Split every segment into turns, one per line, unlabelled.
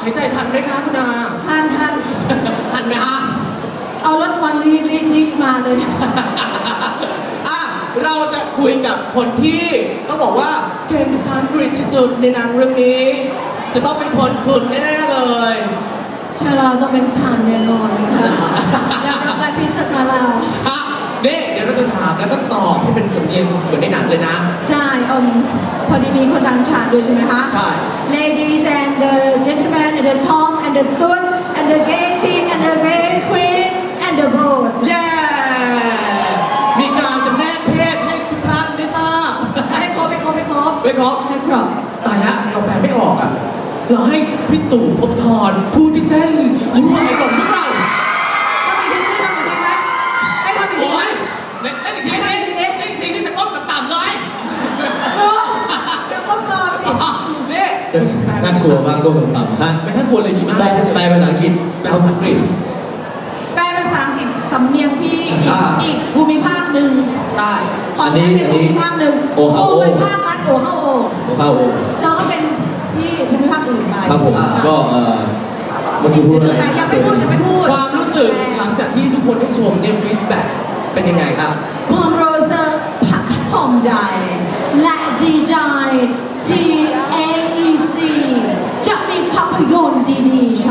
หายใจทันไหมคะคุณอา
ทัน
ทันไหมฮะ
เอารถวันรีมาเลย
อ่ะเราจะคุยกับคนที่ต้องบอกว่าเก่งภาษาอังกฤษที่สุดในหนังเรื่องนี้ จะต้องเป็นคนคุณแน่ๆเลย
เชื่อเราต้องเป็นทานแน่นอนค่ะได้รับการพิเศษมาแล้ว
ค่ะนี่เดี๋ยวเราจะถามแล้วก็ตอบให้เป็นสำเนียงเหมือนในหนังเลยนะ
ได้พอดีมีคนต่างชาติด้วยใช่ไหมคะ
ใช่
Ladies and the gentlemen and the Tom and the Tut and the gay king and the gay queen and the broad
เย้ มีการจำแนกเพศให้ทุกท่านได้ทราบ
ให้ครบ
ไม่ครบ
ให้ครบ
ตายแล้วเราแปลไม่ออกอ่ะ เราให้พี่ตู่ภพบทรผู้ที่เต้นยิ้มไหวก่อนหรือเปล่า
ทำอีกทีได้ทำอีกทีไหมให้ทำอีกที
โอ้
ไหม
ยเต้นอีกทีที่จะก้มต่ำๆเลย
โน้จะก้มรอสิ
นี่
จะน่ากลัวมากก็ต่ำๆฮะ
ไม่น่ากลัวเลยดีมาก
แปลภาษาอังกฤษ
แปลภาษาอังกฤษ
แปลเป็นภาษาอังกฤษสำเนียงที่อีกภูมิภาคหนึ่ง
ใช่
ของแท้เป็นภูมิภาคหนึ่ง
โอฮาโอ
ภูมิภาคนั้นโอฮาโอ
เข้าโอ
เราก็เป็นที่ภูมิภาคอื่นไป
ครับผมก็เมื่อกี้พูดอะไร
แต่ยังไม่พูด
ความรู้สึกหลังจากที่ทุกคนได้ชมเนี่ยฟีดแบ็กเป็นยังไงครับ
ความรู้สึกภาคภูมิใจและดีใจที่ AEC จะมีภาพยนตร์ดีๆใช่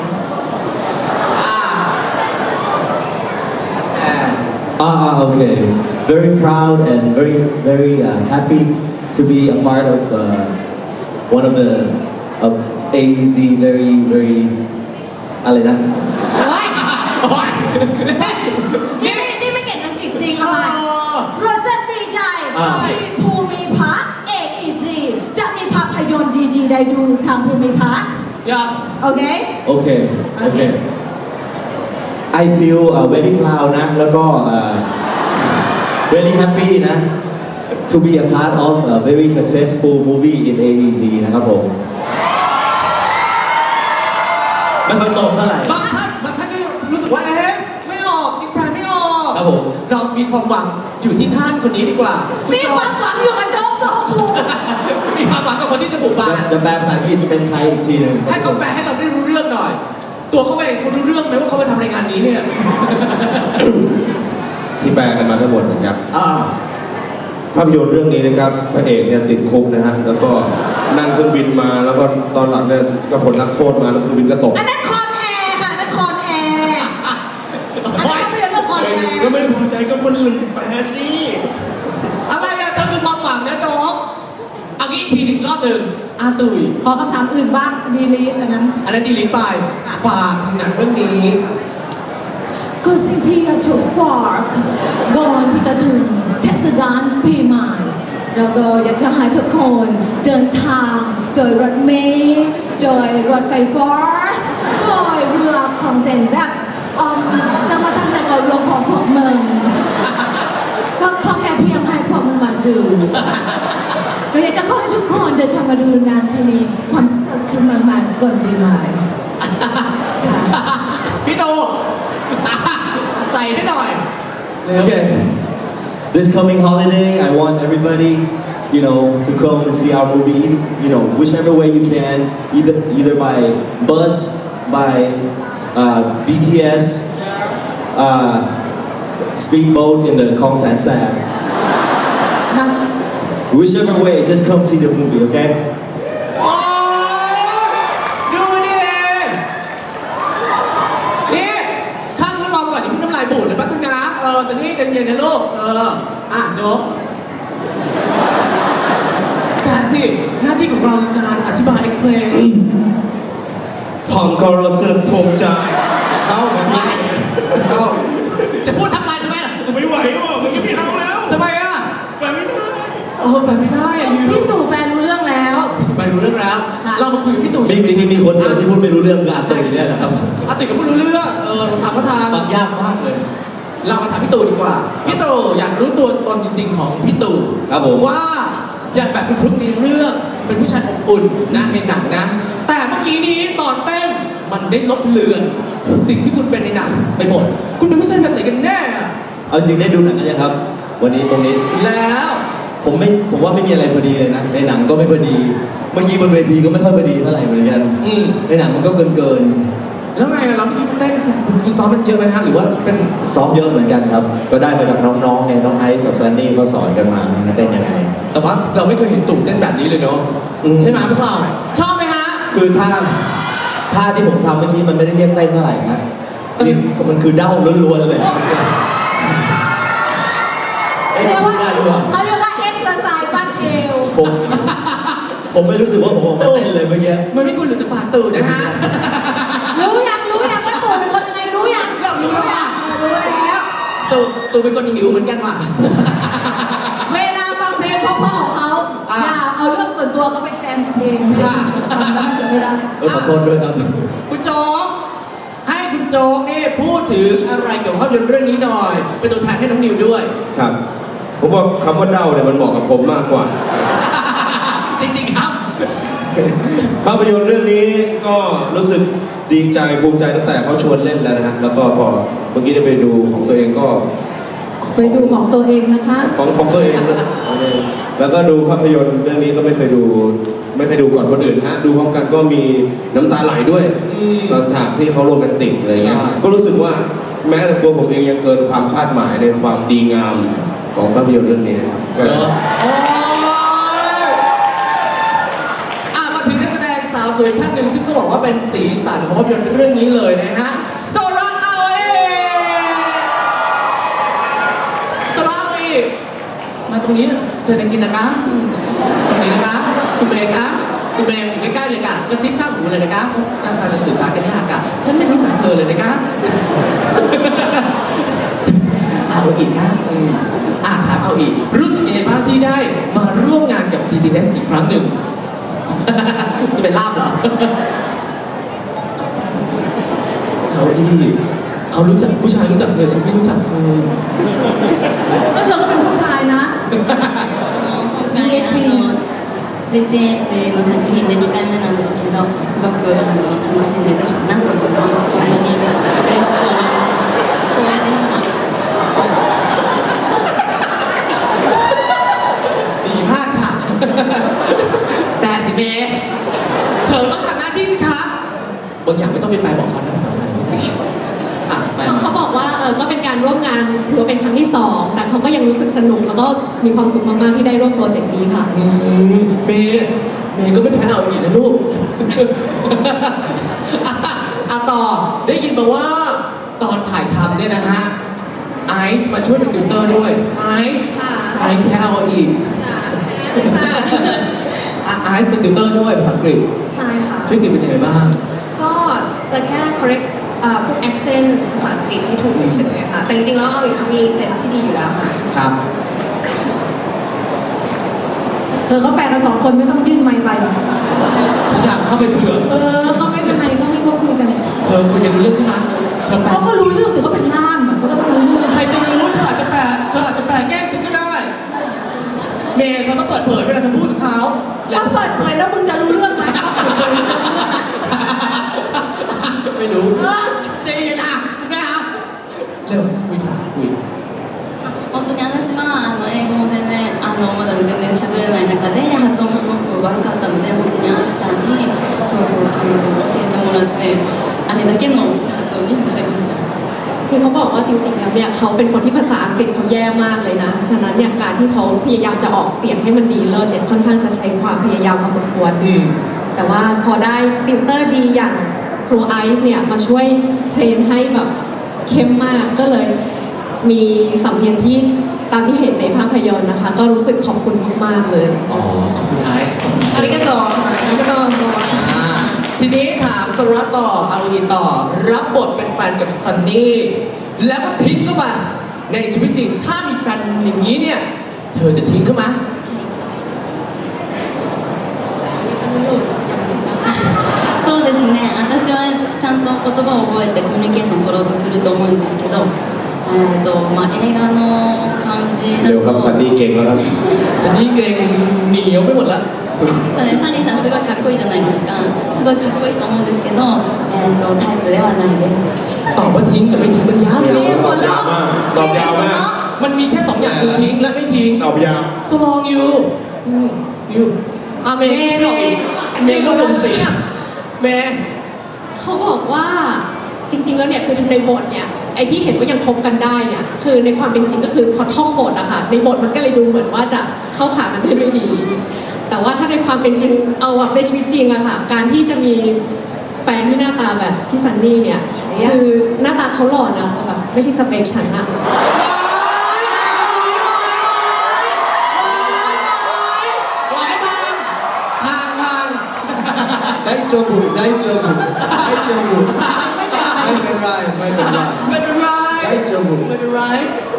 okay. Very proud and very happy to be a part of one of the AEC very อะไรนะ
โอ๊ย
โอ๊ย
นี่ไม่เก่งอังกฤษจริงอะไรรู้สึกดีใจที่ภูมิภาค AEC จะมีภาพยนตร์ดีๆได้ดูทางภูมิภาค
อย่า
โอเค
Okay. I feel very proud นะแล้วก็ very happy นะ to be a part of a very successful movie in AEC นะครับผมไม่ค่อยตรงเท่าไหร่
บางท่านก็รู้สึกว่าไม่ออกยังแปลไม่ออก
ครับผม
เรามีความหวังอยู่ที่ท่านคนนี้ดีกว่า
มีความหวังอยู่กับน้องโซคู
มีความหวังกับคนที่จะบุกบาน
จะแปลภาษาอังกฤษเป็นไทยอีกทีหนึ่ง
ให้เขาแปลให้เราได้รู้เรื่องหน่อย ตัวเขาเองเขารู้เรื่องไหมว่าเขามาทำรายงานนี้เนี่ย
ที่แปลกันมาทั้งหมดนะครับ ภาพยนตร์เรื่องนี้นะครับพระเอกเนี่ยติดคุกนะฮะแล้วก็นั่งเครื่องบินมาแล้วก็ตอนหลังเนี่ยก็ผลนักโทษมาแล้วเครื่องบินก็ตก
อันนั้นคอนแอร์ค่ะอันนั้นคอนแอร์อันนั้นไม่ใช่เรื่องคอนแอร์
ก็ไม่พอใจก็คนอื่นแปลสิ
อะไรอะเธอคือความหวังนะโจ๊กเอางี้อีกทีหนึ่งรอบหนึ่งอาตุย
ขอคำถามอื่นบ้างดีลีทอันนั้น
อันนั้นดีลิทไปฝากถึงหนังเรื่องนี้
ก็สิ่งที่อยากจะฝากก่อนที่จะถึงเทศกาลปีใหม่แล้วก็อยากจะให้ทุกคนเดินทางโดยรถเมล์โดยรถไฟฟ้าโดยเรือของเซนแซบจะมาทำในเรื่องของพวกมึงก็ขอแค่เพียงให้พวกมึงมาดูก็อยากจะขอให้ทุกคนเดินทางมาดูหนังที่มีความสุขขึ้นมากๆก่อนปีใหม่ค่ะ
พี่ตูใส่ให้หน่อยเร็ว
Okay. This coming holiday, I want everybody, to come and see our movie. Whichever way you can, either by bus, by BTS, speedboat in the Khong San San. Whichever way, just come see the movie, okay?
โอ้ดูดินี่ข้างทดลองก่อนอย่าเพิ่งน้ำลายบูดนะแป๊บนึงนะสันนี่ใจเย็นนะลูกโจ๊กแต่สิหน้าที่ของเราคือการอธิบาย explain
ผมก็รู้สึกภูมิใจเข้า
จะพูดทักไลน์ทำไมล่ะ
ไม่ไหวว่ะมึงไม่เอาแล้ว
ทำไมอ่ะ
แปลไม่ได้
แปลไม่ได้อ่ะ
พี่ตู่แปลรู้เรื่องแล้ว
ไปรู้เรื่องแล้ว
ค่ะ
เรามาคุยกับพี่ตู่
มีคนเดียวที่พูดไม่รู้เรื่องคืออาตุยเนี่ยนะครับ
อาติก็พูดรู้เรื่องเราถามก็ทาง
ฟังยากมากเลย
เรามาถามพี่ตู่ดีกว่า พี่ตู่อยากรู้ตัวตนจริง ๆ ของพี่ตู่
ครับผม
ว่าอย่างแบบเป็นพลุกในเรื่องเป็นผู้ชายอบอุ่นนะในหนังนะ แต่เมื่อกี้นี้ตอนเต้นมันได้ลบเลือนสิ่งที่คุณเป็นในหนังไปหมด คุณเป็นผู้ชายแบบไหนกันแน่อะ
เอาจริงได้ดูหนังกันยังครับ วันนี้ตรงนี้
แล้ว
ผมว่าไม่มีอะไรพอดีเลยนะ ในหนังก็ไม่พอดี เมื่อกี้บนเวทีก็ไม่ค่อยพอดีเท่าไหร่เหมือนกันในหนังมันก็เกิน
แล้วไงเราไม่คิดเต้นคุณซ้อมมันเยอะไหมฮะหรือว่าเป็น
ซ้อมเยอะเหมือนกันครับ ก็ได้มาจากน้องๆไงน้องไอซ์กับซันนี่ก็สอนกันมาเต้นยังไง
แต่ว่าเราไม่เคยเห็นตู่เต้นแบบนี้เลยเนาะ
อืม
ใช่ไหมพวกเราชอบไหมฮะ
คือท่าที่ผมทำเมื่อกี้มันไม่ได้เรียกเต้นเท่าไหร่ฮะนี่มันคือเด้าล้วนๆเลยเอ้ย
เรียก
พู
ว่า
ดได้หรือเปล่า
เขาเรียกว่าเอ็กซ์ไซส์ปั้นเอว
ผมไม่รู้สึกว่าผมออกมาเต้นเลยเมื่อกี้
มันไม่ควรหรือจะปาดตู่นะฮะ
รู้ยังว่าตู่เป็นคนยังไงรู้ยัง
เรารู้แล้วว่ะ
รู้แล้ว
ตู่เป็นคนหิวเหมือนกันว่ะ
เวลาฟังเพลงเพราะๆของเขา
อ่ะ
อย่าเอาเรื่องส่วนตัวเขาไปแจมเอง
ค่ะ
ทำได้จะไม่ได้
ขอโทษด้วยครับ
คุณโจ๊กให้คุณโจ๊กนี่พูดถึงอะไรเกี่ยวกับภาพยนตร์เรื่องนี้หน่อย เป็นตัวแทนให้น้องนิวด้วย
ครับ ผมว่าคำว่าเด้าเนี่ยมันเหมาะกับผมมากกว่า
จริงๆครับ
ภาพยนตร์เรื่องนี้ก็รู้สึกดีใจภูมิใจตั้งแต่เขาชวนเล่นแล้วนะฮะแล้วก็พอเมื่อกี้ได้ไปดูของตัวเองก็
ไปดูของตัวเองนะคะ
ของตัวเองด้วยแล้วก็ดูภาพยนตร์เรื่องนี้ก็ไม่เคยดูก่อนคนอื่นฮะดูพร้อมกันก็มีน้ำตาไหลด้วย
อืม
ตอนฉากที่เขาโรแมนติกอะไรเงี้ย
ใช่
ก็รู้สึกว่าแม้แต่ตัวผมเองยังเกินความคาดหมายในความดีงามของภาพยนตร์เรื่องนี้ครับ
เนอะโอ้ยมาถึงนักแสดงสาวสวยท่านหนึ่งที่ต้องบอกว่าเป็นสีสันของภาพยนตร์เรื่องนี้เลยนะฮะโซราอาเอโซราอาเอมาตรงนี้เชิญกินนะคะตรงนี้นะคะคุณเมย์คะคุณเมย์อยู่ใกล้ๆเลยค่ะกระซิบข้างหูเลยนะคะน่าจะสื่อสารกันยากค่ะฉันไม่รู้จักเธอเลยนะคะ เอาอีกครับถามเอาอีก รู้สึกยังไงบ้างที่ได้มาร่วมงานกับ TTS อีกครั้งหนึ่ง จะเป็นลาบเหรอ เขาอีกเขารู้จักผู้ชายรู้จักเธอฉันไม่รู้จักเธอ
ก็เธอก็เป็นผู้ชายนะ
今回GTH の作品で2回目なんですけどすごく楽しんでできたなと思います本当に嬉しく思います光栄でした
ดีมากค่ะ แต่สิเมย์เธอต้องทำหน้าที่สิคะบางอย่างไม่ต้องไปแปลบอกเขานะภาษาไทยไป
เขาบอกว่าก็เป็นการร่วมงานถือว่าเป็นครั้งที่ 2 แต่เขาก็ยังรู้สึกสนุกแล้วก็มีความสุขมากๆที่ได้ร่วมโปรเจกต์นี้ค่ะ
เมย์ก็ไม่แพ้เอาอีกนะลูก ต่อได้ยินมาว่าตอนถ่ายทำเนี่ยนะฮะไอซ์มาช่วยเป็นติวเตอร์ด้วยไอซ์
ค่ะ
ไอซ์แพ้เอาอีกไอซ์เป็นติวเตอร์ด้วยภาษาอังกฤษ
ใช่ค่ะ
ช่วยติวเป็นยังไงบ้าง
ก็จะแค่ correct พวก accent ภาษาอังกฤษให้ถูกเฉยๆค่ะ แต่จริงๆแล้วเอาอีกมีเซนส์ที่ดีอยู่แล้วค่ะ
ครับ
เธอก็แปลกัน2 คนไม่ต้องยื่นไมค์ไป
ทุกอย่างเข้าไปเถื่อน
ก็ไม่เป็นไรก็ให้เขาคุยกัน
เธอคุยกันรู้เรื่องใช่ไหมเธอแปล
เขาก็รู้เรื่องสิเขาเป็นล่ามอะเขาก็ต้องรู้เรื่อง
ใครจะรู้เธออาจจะแปลแกล้งฉันก็ได้ เมย์เธอต้องเปิดเผยเวลาเธอพูดกับเขา
แล้วเปิดเผยแล้วมึงจะรู้เรื่องไหมเขาเปิดเผยมึงจะรู้เรื่องไหม
ไม่รู้
เจนอ่ะคุณแม่ครับ
เร็วคุยถามคุย
本当に私は英語も全然まだ全然喋れない中で発音もすごく悪かったので本当にアキちゃんにすごく教えてもらってあれだけの発音になりました。
คือเขาบอกว่าจริงๆแล้วเนี่ยเขาเป็นคนที่ภาษาอังกฤษเขาแย่มากเลยนะ ฉะนั้นเนี่ยการที่เขาพยายามจะออกเสียงให้มันดีเลิศเนี่ยค่อนข้างจะใช้ความพยายามพอสมควร แต่ว่าพอได้ติวเตอร์ดีอย่างครูไอซ์เนี่ยมาช่วยเทรนให้แบบเข้มมากก็เลยมีสำเนียงที่ตามที่เห็นในภาพยนตร์นะคะ ก็รู้สึกขอบคุณมากๆเลย
อ๋อ ขอบคุณไอซ์
อาริกาโตอาริกาโต
ทีนี้ถามสรัตต่ออารีต่อ รับบทเป็นแฟนกับซันนี่ แล้วก็ทิ้งเข้ามาในชีวิตจริง ถ้ามีแฟนอย่างนี้เนี่ย เธอจะทิ้งเข้ามา
そうですね私はちゃんと言葉を覚えてコミュニケーション取ろうとすると思うんですけど、映画の感じだ
เร็วครับซัน
と
นี่เก่งแล้วครับ
ซันนี่เกรงเหนียวไปหมดแล้ว
そうねサニーさんすごいかっこいいじゃないですかすごいかっこいいと思うんですけど、タイプではないです
ตอบว่าทิ้งกับไม่ทิ้งมันยากเลย
ตอบยาวมากตอบยาวมาก
มันมีแค่สองอย่างคือทิ้งและไม่ทิ้ง
ตอบยาว
so long you เมย์ไม่ออกอีกเมย์ก็ลงสติเมย์
เขาบอกว่าจริง ๆ แล้วเนี่ยคือในบทเนี่ยไอ้ที่เห็นว่ายังคบกันได้เนี่ยคือในความเป็นจริงก็คือพอท่องบทอะค่ะในบทมันก็เลยดูเหมือนว่าจะเข้าขากันได้ด้วยดี แต่ว่าถ้าในความเป็นจริงเอาแบบในชีวิตจริงอะค่ะการที่จะมีแฟนที่หน้าตาแบบพี่ซันนี่เนี่ยคือหน้าตาเขาหล่อนะแต่แบบไม่ใช่สเปคฉันอะ
หวายพัง
ได้เจอบุญได้เจอบุญได้เจอบุญไม่เป็นไรไม่เป็นไร
ไม่เป็นไร
ได้เจอบุญ
ไม่เป็นไร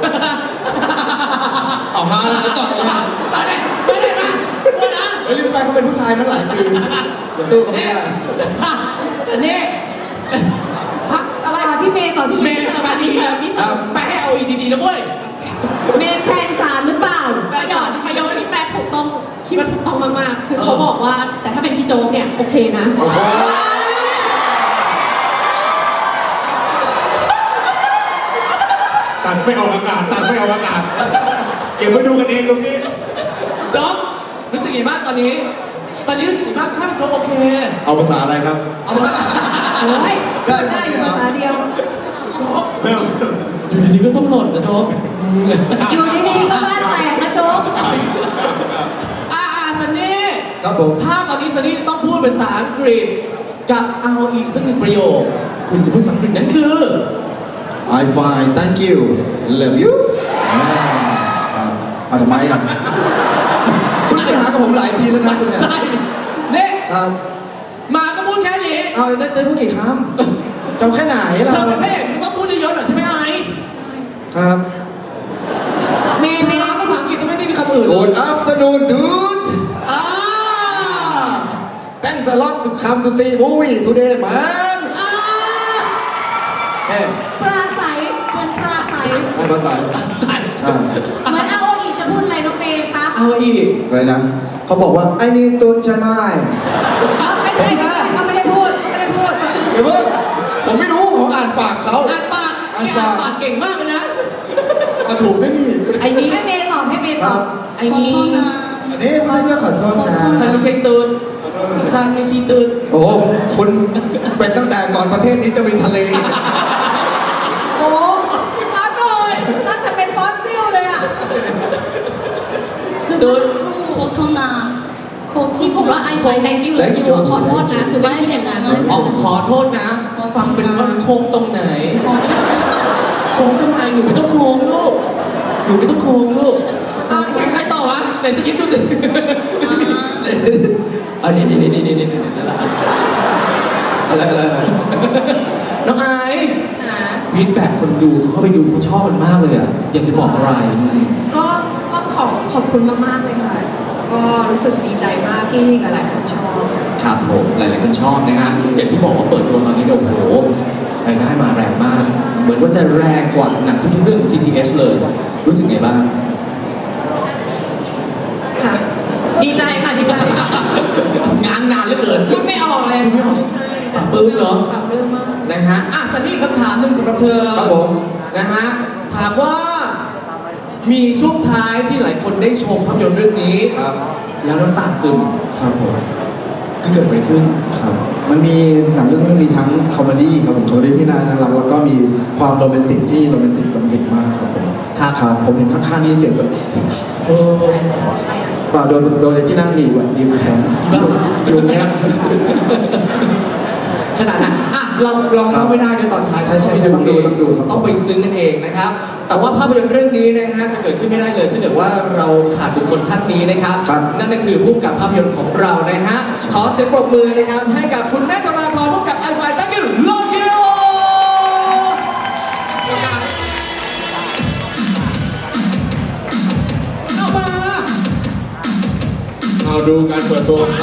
เอาฮะแล้วต่อเลย
ตอนนี้ไม่ได้มาพูดนะ
เฮ้ยลิสไปเขาเป็นผู้ชายมาหลายปีจะสู้เขาไม่ได้
แต่นี่พักอะไร
ต่อที่เมย์ต่อที่
เม
เมย์
ย์มาดีนะไปให้เอาอีดีๆนะเว้ย
เมย์แปลงสารหรือเปล่า
ประโยคที่แปลถูกต้องคิดว่าถูกต้องมากๆ คือเขาบอกว่าแต่ถ้าเป็นพี่โจ๊กเนี่ยโอเคนะ
ตัดไม่ออกอากาศตัดไม่ออกอากาศเก็บไว้ดูกันเองตรงนี้
จ๊อบรู้สึกยังไงบ้างตอนนี้รู้สึกยังไงบ้างถ้าเป็นโจ๊กโอเค
เอาภาษาอะไรครับ
เอามา
โอ้ยได้อยู่ภาษาเดียว
โจ๊ก
ไม่เอา
อยู่ดีๆก็ส้มหล่นนะโจ๊ก
อยู่ดีๆก็บ้านแตกนะโจ๊ก
ซันนี่
ครับผม
ถ้าตอนนี้ซันนี่ต้องพูดภาษาอังกฤษกับเอาอีกสักหนึ่งประโยค คุณจะพูดภาษาอังกฤษนั้นคือ
I fine thank you love you ครับเอาทำไมอ่ะคุณไปหากับผมหลายทีแล้วนะคุณเนี่ย
ใช่เนี่ย
ครับ
มาก็พูดแค่นี้
เอาได้พูดกี่คำเจ้าแค่ไหน
เธ
เรา
อเป็นพระเอกคุณต้องพูดเยอะๆหน่อยใช่ไหมไอซ์
ครับ
เมย์
ภาษาอังกฤษจะไม่ได้คำอื่นเลย
Good afternoon dude
อ่า
Thanks a lot to come to see movie today man
อ่า
เฮ้ย
ปลาใสเหมือนปลาใส
ไม่ภาษา
ใส่
อ่า
เหมือนเอาอีกจะพูดอะไรน้องเมย์คะ
เอาอีก
อะไรนะเขาบอกว่าไอ้นี่ตุนใช่ไหม
ไม่ได้เขาไม่ได้พูดเขาไม่ได้พูด
เดี๋ยวเพิ่งผมไม่รู้ผมอ่านปากเขา
อ่านปากแกอ่านปากเก่งมากเลยนะ
มาถูกได้นี่
ไอ้นี้
ให้เมย์ตอบให้เมย์ตอบ
ไอ้นี้
อันนี้ไม่ได้ขอโทษนะ
ฉันไม่ใช่ตื่นฉันไม่ใช่ตื่น
โอ้โหคุณเป็นตั้งแต่ก่อนประเทศนี้จะมีทะเล
โอ้มาโดยตั้งแต่เป็นฟอสซิลเลยอ่ะ
คือ
ตื่น
โคโทนาโค
ที่ผมว่าไอไฟ thank you love you อะขอโทษนะคือไม่ได้อย่างนั้น
อ๋อขอโทษนะ ฟังเป็นว่าโค้งตรงไหน โค้งตรงไหนหนูไม่ต้องโค้งลูก หนูไม่ต้องโค้งลูกอ่ะใครต่อวะไหนจะคิดดูสิอันนี้นี่นั่นแหละ
อะไร
น้องไอซ์ฟีดแบ็กคนดูเขาเข้าไปดูเขาชอบมันมากเลยอ่ะ อยากจะบอกอะไร
ก็ต้องขอบคุณมากๆเลยค่ะ แล้วก็รู้สึกดีใจมากที่หลายๆคนชอบ
ครับผมหลายๆคนชอบนะฮะอย่างที่บอกว่าเปิดตัวตอนนี้เนี่ยโอ้โหรายได้มาแรงมาก เหมือนว่าจะแรงกว่าหนังทุกๆเรื่องของ GTH เลย รู้สึกไงบ้าง
ค่ะ ดีใจค่ะดีใจค่ะ
งานนานเหลือเกิน
พูดไม่ออกเลย
พูดไม่ออก
ใช่
ปรับปรื้มเนอะ
ปรับปลื้มมาก
นะฮะอ่ะสันนี่คำถามหนึ่งสำหรับเธอ
ครับผม
นะฮะถามว่ามีช่วงท้ายที่หลายคนได้ชมภาพยนตร์เรื่องนี้
ครับ
แล้วน้ำตาซึม
ครับผม
ก็เกิดอะไรขึ้น
ครับ มันมีหนังเรื่องนี้มันมีทั้งคอมเมดี้ครับผมคอมเมดี้ที่น่ารักแล้วก็มีความโรแมนติกที่โรแมนติกมากครับผม ครับผมเห็นข้างๆนี่เสียงแบบ
เออ
เปล่าโดนที่นั่งหนีบอะหนีบแขนอยู่อย่างเงี้ย
ขนาดนั้นอ่ะเราลอง
ครั
เล่า
บ
ไม่ได้เดี๋ยวตอนท้าย
ใช่ต้องดูครับ
ต้องไปซึ้งกันเองนะครับ แต่ว่าภาพยนตร์เรื่องนี้นะฮะจะเกิดขึ้นไม่ได้เลยถ้าเกิดว่าเราขาดบุคคลท่านนี้นะครับ นั่นก็คือผู้กำกับภาพยนตร์ของเรานะฮะ ขอเสียงปรบมือนะครับให้กับคุณแม่จราธรผู้กำกับไอไฟตั้งยืนลงยิวเอามา
เอาดูการเปิดตัวของเขา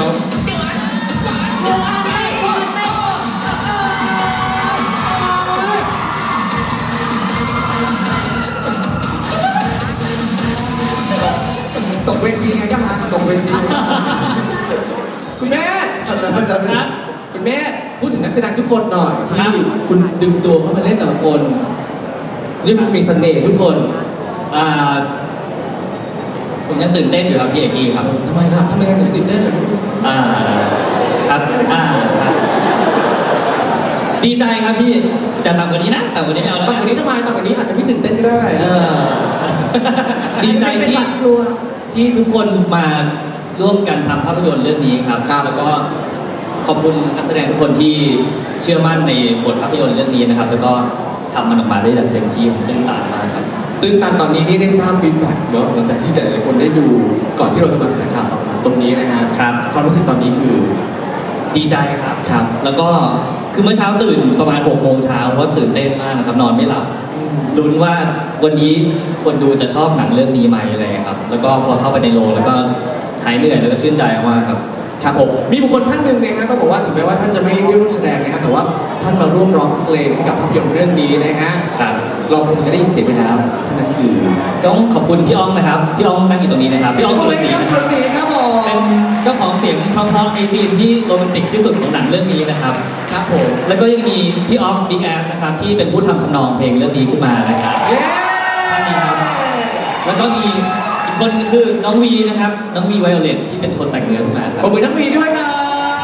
ตกเวทีไงก็หาตกเวที
คุณแม่
อะไร
คุณแม่พูดถึงนักแสดงทุกคนหน่อยที่คุณดึงตัวเข้ามาเล่นแต่ละคนเรียกว่ามีเสน่ห์ทุกคน
อ่าผมยังตื่นเต้นอยู่ครับพี่เอกกี้ครับ
ทำไมถึงตื่นเต้นเลย
อ่าครับครับดีใจครับพี่แต่ต่ำกว่านี้นะต่ำกว่านี้ไม่เอาแล้ว
ต่ำกว่านี้ทำไมต่ำกว่านี้อาจจะไม่ตื่นเต้นก็ได้
ดีใจ
เป็น
ที่
หวัดกลัว
ที่ทุกคนมาร่วมกันทำภาพยนตร์เรื่องนี้ครับ แล้วก็ขอบคุณนักแสดงทุกคนที่เชื่อมั่นในบทภาพยนตร์เรื่องนี้นะครับ แล้วก็ทำมันออกมาได้อย่างเต็มที่ผมตื่นตามากครับ
ตื่นตันตอนนี้นี่ได้ทราบฟีดแบ็กเยอะหลังจากที่แต่ละคนได้ดูก่อนที่เราจะมาแถลงข่าวตรงนี้นะฮะ
ครับ
ความรู้สึกตอนนี้คือ
ดีใจครับ
ครับ
แล้วก็คือเมื่อเช้าตื่นประมาณ6 โมงเช้าเพราะว่าตื่นเต้นมากนะครับนอนไม่หลับลุ้นว่าวันนี้คนดูจะชอบหนังเรื่องนี้ไหมอะไรอย่างเงี้ยครับแล้วก็พอเข้าไปในโรงแล้วก็หายเหนื่อยแล้วก็ชื่นใจมากครับ
ครับผมมีบุคคลท่านหนึ่งนะฮะต้องบอกว่าถึงแม้ว่าท่านจะไม่ได้ร่วมแสดงนะฮะแต่ว่าท่านมาร่วมร้องเพลงให้กับภาพยนตร์เรื่องนี้นะฮะ
ครับ
เราคงจะได้ยินเสียงไปแล้วท่านนั้นคือ
ต้องขอบคุณพี่อ้องนะครับพี่อ้องนั่งอยู่ตรงนี้นะครับพี่อ้อง
ข
สุ
อบ
ร
คุณ
ศรี
พี่
นะ
สุ
ค
ร
รับ
ศรีครับผม
เป็นเจ้าของเสียงเพราะๆในซีนที่โรแมนติกที่สุดของหนังเรื่องนี้นะครับ
ครับผม
แล้วก็ยังมีพี่ออฟบิ๊กแอสนะครับที่เป็นผู้ทำทำนองเพลงเรื่องนี้ขึ้นมานะครับ
เย้
ท่านนี้ครับ แล้วก็มีอีกคนคือน้องวีนะครับน้องวีไวโอเลตที่เป็นคนแต่งเนื้อขึ้นมาครั
ข
บ
อบคุณทั้งวีด้วยครับ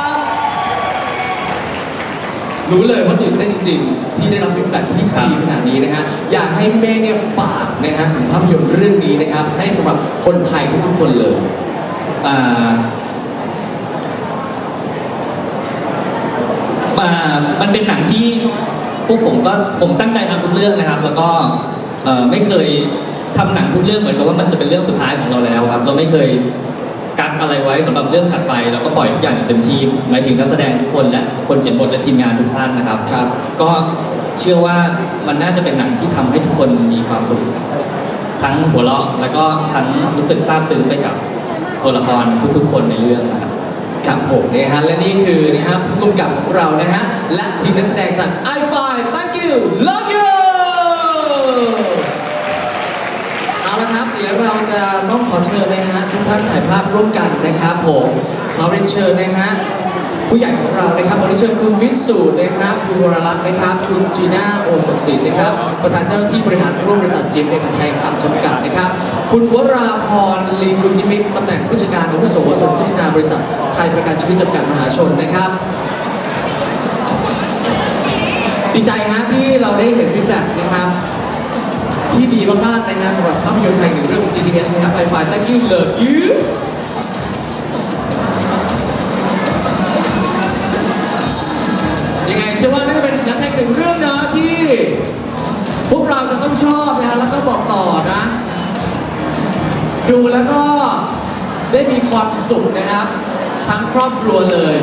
รู้เลยว่าตื่นเต้นจริงๆที่ได้รับฟีดแบ็กที่ดีขนาดนี้นะฮะอยากให้เมย์เนี่ยฝากนะฮะถึงภาพยนตร์เรื่องนี้นะครับให้สำหรับคนไทยทุกๆคนเลย
มันเป็นหนังที่พวกผมตั้งใจทำทุกเรื่องนะครับ แล้วก็ไม่เคยทำหนังทุกเรื่องเหมือนกับว่ามันจะเป็นเรื่องสุดท้ายของเราแล้วครับเราไม่เคยกักอะไรไว้สำหรับเรื่องถัดไปเราก็ปล่อยทุกอย่างอย่างเต็มที่หมายถึงนักแสดงทุกคนและคนเขียนบทและทีมงานทุกท่านนะครับ
ครับ
ก็เชื่อว่ามันน่าจะเป็นหนังที่ทำให้ทุกคนมีความสุขทั้งหัวเราะแล้วก็ทั้งรู้สึกซาบซึ้งไปกับตัวละครทุกๆคนในเรื่องนะครับ
ครับผมนะฮะและนี่คือนะฮะผู้กำกับของเรานะฮะและทีมนักแสดงจาก i5 Thank you Love you เอาละครับเดี๋ยวเราจะต้องขอเชิญนะฮะทุกท่านถ่ายภาพร่วมกันนะครับผมขอเรียนเชิญนะฮะผู้ใหญ่ของเรานะครับขอเรียนเชิญคุณวิสูตรนะครับคุณวรลักษณ์นะครับคุณจีน่าโอสถศิลป์นะครับประธานเจ้าหน้าที่บริหารร่วมบริษัท GMM ไทยครับจำกัดนะครับคุณวราพรลีกุลนิมิตตำแหน่งผู้จัดการอาวุโสส่วนโฆษณาบริษัทไทยประกันชีวิตจำกัดมหาชนนะครับดีใจฮะที่เราได้เห็นฟีดแบ็กนะครับที่ดีมากๆนะฮะสำหรับภาพยนตร์ไทยหนึ่งเรื่องของ GTS นะครับ i5 Thank you Love you ยังไงเชื่อว่าน่าจะเป็นหนังไทยหนึ่งเรื่องนะที่พวกเราจะต้องชอบนะฮะแล้วก็บอกต่อนะ ดูแล้วก็ได้มีความสุขนะครับ ทั้งครอบครัวเลย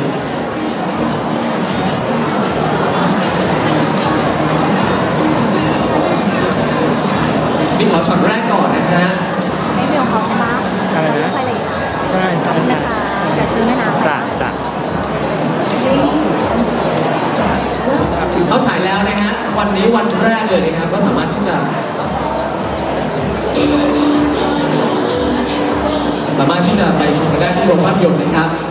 นี่ขอช็อตแรกก่อนนะฮะ
ไม่เดียวเขาใช่ปะอะไรนะใช่ใช่นะคะอย่าซื้อแม่น้ำจ้ะจ้ะ
เขาฉายแล้วนะฮะวันนี้วันแรกเลยนะครับก็สามารถที่จะไปชมกันได้ที่โรงภาพยนตร์นะครับ